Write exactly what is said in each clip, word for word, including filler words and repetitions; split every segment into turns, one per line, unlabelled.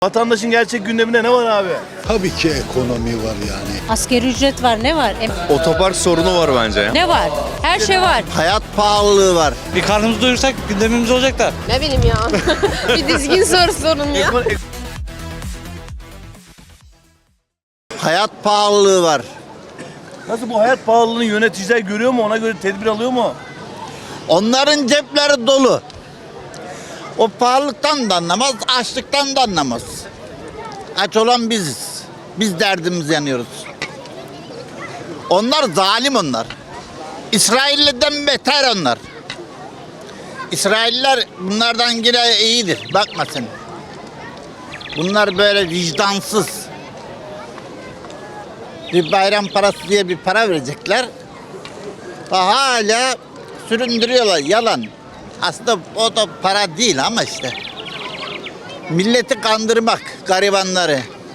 Vatandaşın gerçek gündeminde ne var abi?
Tabii ki ekonomi var yani.
Asgari ücret var, ne var? Em-
Otopark sorunu var bence.
Ne var? Her şey var.
Hayat pahalılığı var.
Bir karnımızı doyursak gündemimiz olacak da.
Ne bileyim ya. Bir dizgin soru sorun ya.
Hayat pahalılığı var.
Nasıl bu hayat pahalılığını yöneticiler görüyor mu? Ona göre tedbir alıyor mu?
Onların cepleri dolu. O pahalılıktan da anlamaz, açlıktan da anlamaz. Aç olan biziz. Biz derdimiz yanıyoruz. Onlar zalim onlar. İsrailli'den beter onlar. İsrailler bunlardan yine iyidir. Bakma sen. Bunlar böyle vicdansız. Bir bayram parası diye bir para verecekler. Hala süründürüyorlar. Yalan. Aslında o da para değil ama işte. Milleti kandırmak, garibanları.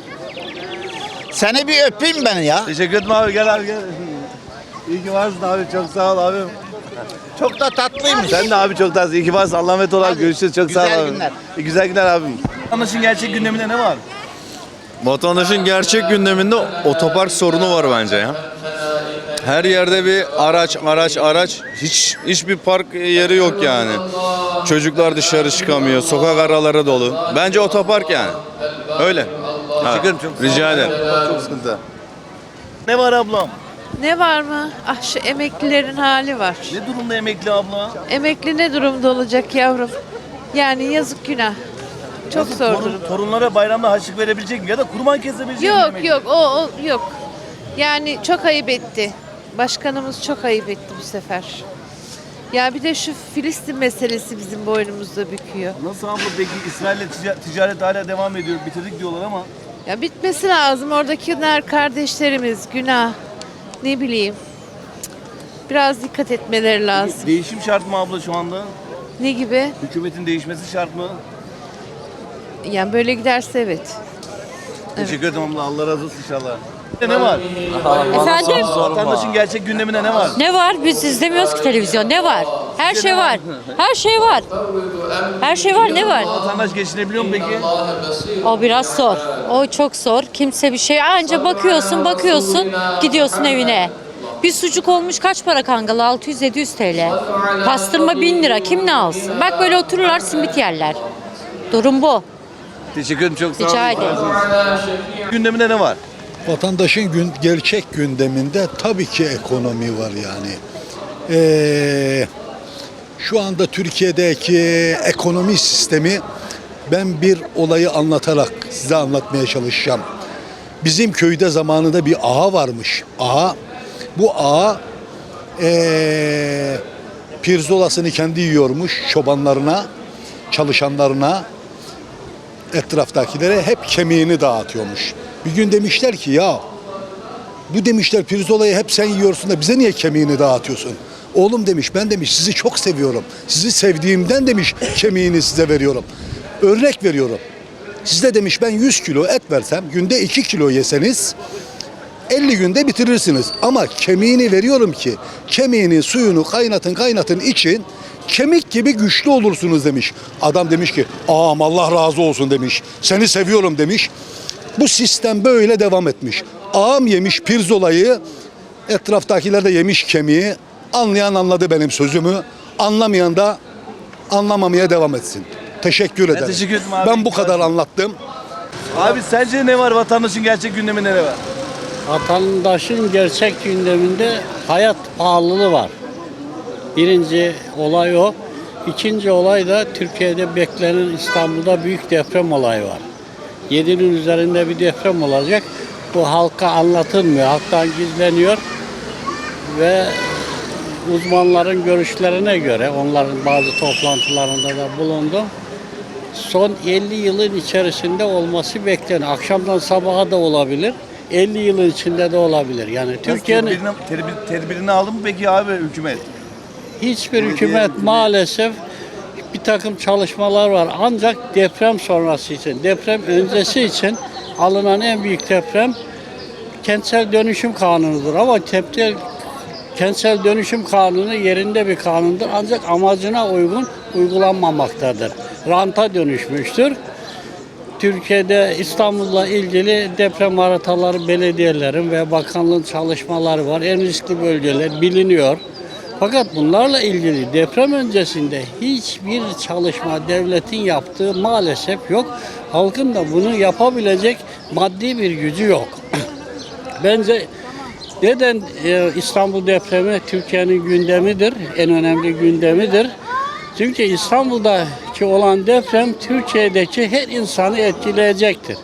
Seni bir öpeyim ben ya.
Teşekkür ederim abi, gel abi gel. İyi ki varsın abi, çok sağ ol abim.
Çok da tatlıymış.
Sen de abi çok tatlısın. İyi ki varsın. Allah'a emanet ol abi.
Hadi.
Görüşürüz. Çok sağ ol
Güzel
abi.
günler.
İyi güzel günler abim. Vatandaşın gerçek gündeminde ne var?
Vatandaşın gerçek gündeminde otopark sorunu var bence ya. Her yerde bir araç, araç, araç. Hiç hiçbir park yeri yok yani. Çocuklar dışarı çıkamıyor. Sokak araları dolu. Bence otopark yani. Öyle. Ha,
ederim, çok sağ ol.
rica ederim.
Çok sıkıntı. Ne var ablam?
Ne var mı? Ah şu emeklilerin hali var.
Ne durumda emekli abla?
Emekli ne durumda olacak yavrum? Yani yazık günah. Çok
Nasıl,
zor
torun-
durum.
Torunlara bayramda harçlık verebilecek mi? Ya da kurban kesebilecek mi?
Yok
emekli?
yok o, o yok. Yani çok ayıp etti. Başkanımız çok ayıp etti bu sefer. Ya bir de şu Filistin meselesi bizim boynumuzda büküyor.
Nasıl abla peki İsrail'le tica- ticaret hala devam ediyor. Bitirdik diyorlar ama.
Ya bitmesi lazım. Oradakiler kardeşlerimiz, günah. Ne bileyim. Cık, biraz dikkat etmeleri lazım.
Değişim şart mı abla şu anda?
Ne gibi?
Hükümetin değişmesi şart mı?
Yani böyle giderse evet.
Teşekkür ederim abla. Allah razı olsun inşallah. Ne var?
Efendim?
Vatandaşın gerçek gündeminde ne var?
Ne var? Biz izlemiyoruz ki televizyon. Ne var? Her şey var. Her şey var. Her şey var. Ne var?
Vatandaş geçinebiliyor mu peki?
O biraz zor. O çok zor. Kimse bir şey. Anca bakıyorsun, bakıyorsun, gidiyorsun evine. Bir sucuk olmuş kaç para kangalı? altı yüz yedi yüz T L. Pastırma bin lira. Kim ne alsın? Bak böyle otururlar, simit yerler. Durum bu.
Teşekkür ederim, çok sağ olun.
Rica ederim.
Gündeminde ne var?
Vatandaşın gün, gerçek gündeminde tabii ki ekonomi var yani. Ee, şu anda Türkiye'deki ekonomi sistemi, ben bir olayı anlatarak size anlatmaya çalışacağım. Bizim köyde zamanında bir ağa varmış. Ağa, bu ağa ee, pirzolasını kendi yiyormuş, çobanlarına, çalışanlarına, etraftakilere hep kemiğini dağıtıyormuş. Bir gün demişler ki ya bu demişler pirzolayı hep sen yiyorsun da bize niye kemiğini dağıtıyorsun? Oğlum demiş, ben demiş sizi çok seviyorum. Sizi sevdiğimden demiş kemiğini size veriyorum. Örnek veriyorum. Size demiş ben yüz kilo et versem, günde iki kilo yeseniz elli günde bitirirsiniz. Ama kemiğini veriyorum ki kemiğinin suyunu kaynatın kaynatın için kemik gibi güçlü olursunuz demiş. Adam demiş ki ağam Allah razı olsun demiş. Seni seviyorum demiş. Bu sistem böyle devam etmiş. Ağam yemiş pirzolayı, etraftakiler de yemiş kemiği. Anlayan anladı benim sözümü. Anlamayan da anlamamaya devam etsin. Teşekkür ederim.
teşekkür ederim abi.
Ben bu kadar anlattım.
Abi sence ne var vatandaşın gerçek gündeminde ne var?
Vatandaşın gerçek gündeminde hayat pahalılığı var. Birinci olay o. İkinci olay da Türkiye'de beklenen İstanbul'da büyük deprem olayı var. Yedinin üzerinde bir deprem olacak. Bu halka anlatılmıyor. Halktan gizleniyor ve uzmanların görüşlerine göre, onların bazı toplantılarında da bulundum. Son elli yılın içerisinde olması bekleniyor. Akşamdan sabaha da olabilir. elli yılın içinde de olabilir. Yani Türkiye'nin
Tedbirini, tedbir, tedbirini aldı mı peki abi hükümet?
hiçbir hükümet maalesef bir takım çalışmalar var. Ancak deprem sonrası için, deprem öncesi için alınan en büyük deprem kentsel dönüşüm kanunudur. Ama tepki, kentsel dönüşüm kanunu yerinde bir kanundur. Ancak amacına uygun uygulanmamaktadır. Ranta dönüşmüştür. Türkiye'de İstanbul'la ilgili deprem haritaları belediyelerin ve bakanlığın çalışmaları var. En riskli bölgeler biliniyor. Fakat bunlarla ilgili deprem öncesinde hiçbir çalışma devletin yaptığı maalesef yok. Halkın da bunu yapabilecek maddi bir gücü yok. Bence neden e, İstanbul depremi Türkiye'nin gündemidir, en önemli gündemidir. Çünkü İstanbul'daki olan deprem Türkiye'deki her insanı etkileyecektir.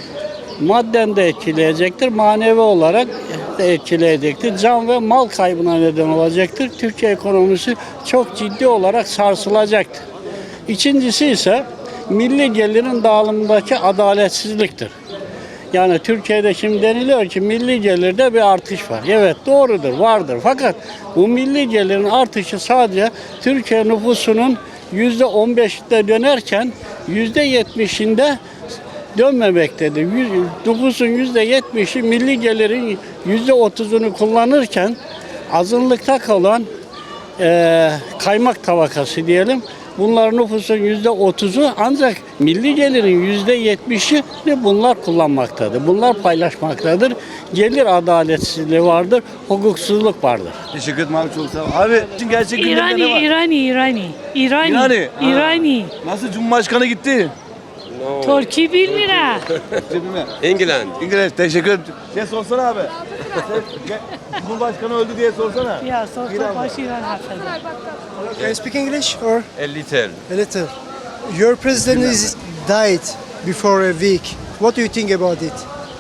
Madden de etkileyecektir, manevi olarak da etkileyecektir. Can ve mal kaybına neden olacaktır. Türkiye ekonomisi çok ciddi olarak sarsılacaktır. İkincisi ise milli gelirin dağılımındaki adaletsizliktir. Yani Türkiye'de şimdi deniliyor ki milli gelirde bir artış var. Evet doğrudur, vardır. Fakat bu milli gelirin artışı sadece Türkiye nüfusunun yüzde on beşinde dönerken yüzde yetmişinde dönmemektedir. Yüz- Nüfusun yüzde yetmişi milli gelirin yüzde otuzunu kullanırken azınlıkta kalan eee, kaymak tabakası diyelim. Bunlar nüfusun yüzde otuzu ancak milli gelirin yüzde yetmişi de bunlar kullanmaktadır. Bunlar paylaşmaktadır. Gelir adaletsizliği vardır, hukuksuzluk vardır.
Teşekkür ederim abi, çok sağ ol. Abi şimdi gerçek gündemde
İrani,
ne var?
İrani, İrani. İrani.
İrani.
İrani.
Nasıl Cumhurbaşkanı gitti?
Türkiye bir lira.
England.
İngiliz, teşekkür ederim. Şey sorsana abi. Sen, gel, Cumhurbaşkanı öldü diye sorsana.
Ya sorsa başı İran haftada.
Can you speak English or
A little.
a little? Your president is died before a week. What do you think about it?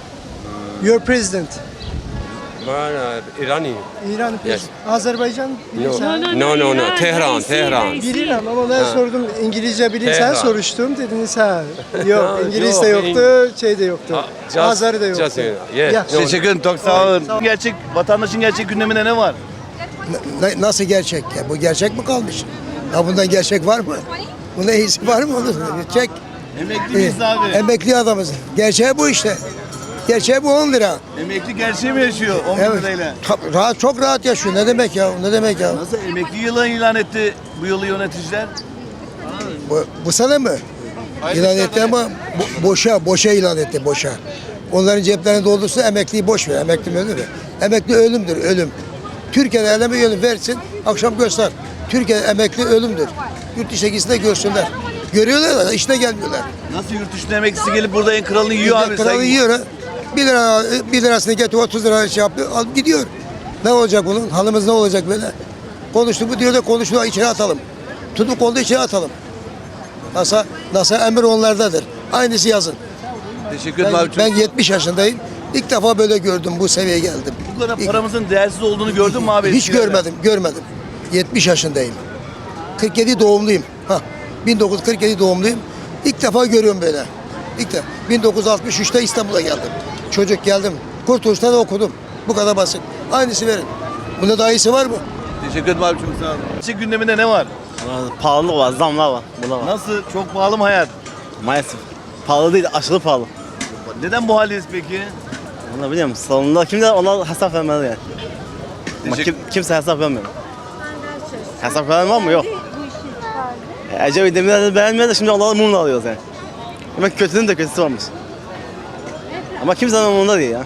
Your president,
Man, uh, Irani.
İran president, Azerbaycan bilirsen.
No, no, no.
İran,
Tehran,
reisi,
Tehran.
reisi.
Bilirim ama ben sordum İngilizce bilirsen
Tehran.
soruştum dediniz ha. Yok
Ha,
İngiliz de
yok,
yoktu, şey de yoktu.
Ah, just-
Azeri de yoktu.
just, uh, yes.
Ya.
No.
Teşekkür ederim, çok sağ olun. Gerçek, vatandaşın gerçek gündeminde ne var?
Na- Nasıl gerçek ya? Bu gerçek mi kalmış? Ya bundan gerçek var mı? Bunda iyisi var mı? Onu çek.
Emekli miyiz abi?
Emekli adamız. Gerçeği bu işte. Gerçeği bu on lira.
Emekli gerçeği mi yaşıyor on bin
Evet.
lirayla?
Ta- Rahat, çok rahat yaşıyor. Ne demek ya? Ne demek ya?
Nasıl emekli yılı ilan etti bu yılı yöneticiler?
Bu, bu sene mi? İlan etti ama bo- boşa, boşa ilan etti, boşa. Onların ceplerini doldursa emekliyi boş ver. Emekli mi ölür mü? Emekli ölümdür, ölüm. Türkiye'de eleme ölüm versin, akşam göster. Türkiye'de emekli ölümdür. Yurt dışına gitsin de görsünler. Görüyorlar da işine gelmiyorlar.
Nasıl yurt dışında emeklisi gelip burada en kralını yiyor abi?
Kralı
Sen-
yiyor ha. Bir lira, bir lirasını getir otuz lira şey yapıyor, alıp gidiyor. Ne olacak bunun? Halımız ne olacak böyle? Konuştu bu diyor da konuştu içeri atalım. Tutup kolda içeri atalım. NASA, NASA emir onlardadır. Aynısı yazın.
Teşekkür ederim
Ben,
abi. Çok...
ben yetmiş yaşındayım. İlk defa böyle gördüm, bu seviyeye geldim.
Bu kadar
İlk-
paramızın değersiz olduğunu gördün mü abi?
Hiç
eskilerde?
görmedim, görmedim. yetmiş yaşındayım. kırk yedi doğumluyum. Ha, bin dokuz yüz kırk yedi doğumluyum. İlk defa görüyorum böyle. İlk defa. bin dokuz yüz altmış üçte İstanbul'a geldim. Çocuk geldim. Kurtuluş'ta da okudum. Bu kadar basit. Aynısı verin. Bunda daha iyisi var mı?
Teşekkür ederim abi, çok sağ olun. Gerçek gündeminde ne var?
Pahalılık var, zamlar var. Bunlar var.
Nasıl? Çok pahalı mı hayat?
Maalesef. Pahalı değil, aşırı pahalı.
Neden bu haldeyiz peki?
Onu biliyor musun? Sonunda kimse ona hesap vermeli yani. Ama
Teşekkür-
kim, kimse hesap vermiyor. Hesap veren var mı? Yok. E, Ecevit Demirel'i beğenmiyor da şimdi onları mumla alıyoruz yani. Demek kötünün de kötüsü varmış. Ama kimsenin umurunda değil ya.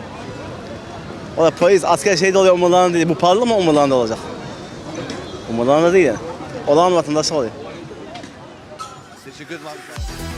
O da polis, asker şeyde oluyor umurlarında değil. Bu pahalı mı umurlarında olacak? Umurlarında değil yani. Olan vatandaşı oluyor.
Teşekkür ederim abi.